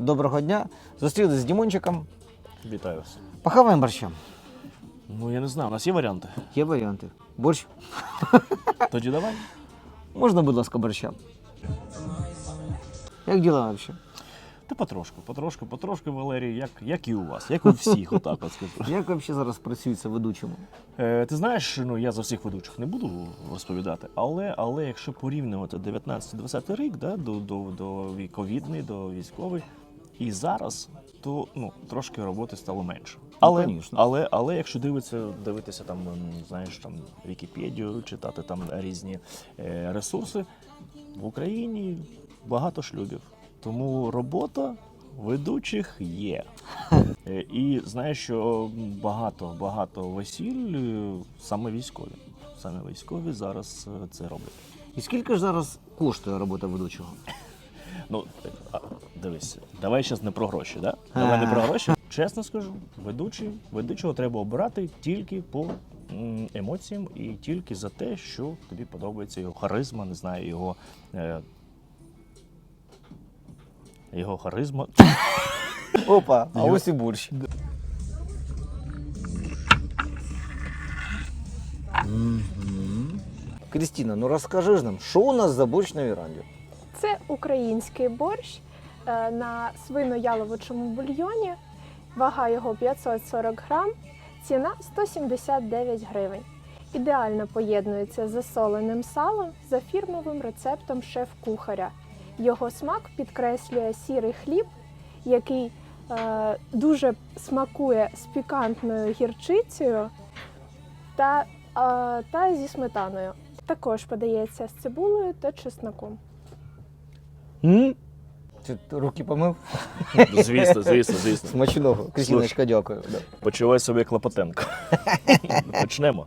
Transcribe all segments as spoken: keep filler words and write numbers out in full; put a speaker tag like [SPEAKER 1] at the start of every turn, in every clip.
[SPEAKER 1] доброго дня. Зустрілися з Дімончиком.
[SPEAKER 2] Вітаю вас.
[SPEAKER 1] Похаваємо борща.
[SPEAKER 2] Ну, я не знаю, у нас є варіанти?
[SPEAKER 1] Є варіанти. Борщ.
[SPEAKER 2] Тоді давай.
[SPEAKER 1] Можна, будь ласка, борща? Як діла взагалі?
[SPEAKER 2] Та потрошку, потрошку, потрошку, Валерій, як, як і у вас, як у всіх, отак от скажу.
[SPEAKER 1] Як взагалі зараз працюється ведучому?
[SPEAKER 2] Е, ти знаєш, ну я за всіх ведучих не буду розповідати, але, але якщо порівнювати дев'ятнадцятий-двадцятий рік, да, до, до, до ковідний, до військовий, і зараз, то ну, трошки роботи стало менше. Але,
[SPEAKER 1] ну,
[SPEAKER 2] але, але якщо дивитися, дивитися там, знаєш, там Вікіпедію, читати там різні е, ресурси, в Україні багато шлюбів. Тому робота ведучих є. Е, і знаєш, що багато, багато весіль е, саме військові. Саме військові зараз е, це роблять.
[SPEAKER 1] І скільки ж зараз коштує робота ведучого?
[SPEAKER 2] Ну, а, дивись, давай зараз не про гроші, да? Давай не про гроші. Чесно скажу, ведучий, ведучого треба обирати тільки по м, емоціям і тільки за те, що тобі подобається його харизма, не знаю, його, е, його харизма.
[SPEAKER 1] Опа, а ось і борщ. Крістіна, ну розкажи ж нам, що у нас за борщ на віранді?
[SPEAKER 3] Це український борщ е, на свино-яловичому бульйоні. Вага його п'ятсот сорок грам, ціна сто сімдесят дев'ять гривень. Ідеально поєднується з засоленим салом за фірмовим рецептом шеф-кухаря. Його смак підкреслює сірий хліб, який е, дуже смакує з пікантною гірчицею та, е, та зі сметаною. Також подається з цибулею та чесноком.
[SPEAKER 1] М? Ти руки помив?
[SPEAKER 2] Звісно, звісно, звісно.
[SPEAKER 1] Смачного. Крістіночка, дякую. Да.
[SPEAKER 2] Почувай себе Клопотенко. Почнемо.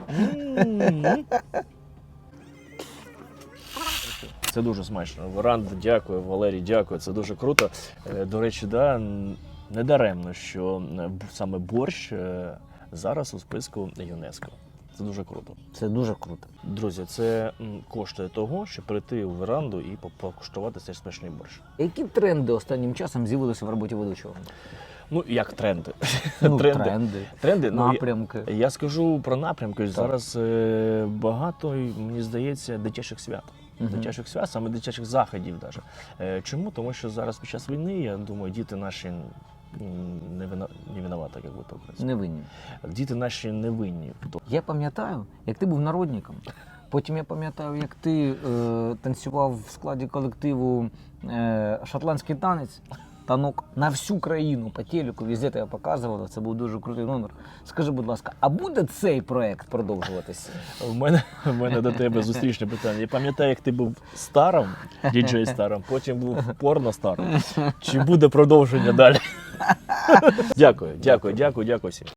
[SPEAKER 2] Це дуже смачно. Варанда, дякую, Валерій, дякую. Це дуже круто. Е, До речі, да, не даремно, що е, саме борщ е, зараз у списку ЮНЕСКО. Це дуже круто.
[SPEAKER 1] Це дуже круто.
[SPEAKER 2] Друзі, це м, коштує того, щоб прийти у веранду і по- покуштувати цей смачний борщ.
[SPEAKER 1] Які тренди останнім часом з'явилися в роботі ведучого?
[SPEAKER 2] Ну, як тренди.
[SPEAKER 1] Ну,
[SPEAKER 2] тренди.
[SPEAKER 1] тренди,
[SPEAKER 2] Тренди, ну, я-
[SPEAKER 1] напрямки.
[SPEAKER 2] Я скажу про напрямки. Зараз е, багато, мені здається, дитячих свят.
[SPEAKER 1] Мгм.
[SPEAKER 2] Дитячих свят, саме дитячих заходів. Даже. Е, чому? Тому що зараз під час війни, я думаю, діти наші м, не, вина, не винуваті, як би то
[SPEAKER 1] Невинні.
[SPEAKER 2] Діти наші не винні.
[SPEAKER 1] Я пам'ятаю, як ти був народником. Потім я пам'ятаю, як ти е, танцював в складі колективу е, шотландський танець, танок на всю країну по телеку, везде тебе показували. Це був дуже крутий номер. Скажи, будь ласка, а буде цей проект продовжуватися?
[SPEAKER 2] У мене, у мене до тебе зустрічне питання. Я пам'ятаю, як ти був старом, діджей старом, потім був порно старом. Чи буде продовження далі? Дякую, дякую, дякую, дякую всім.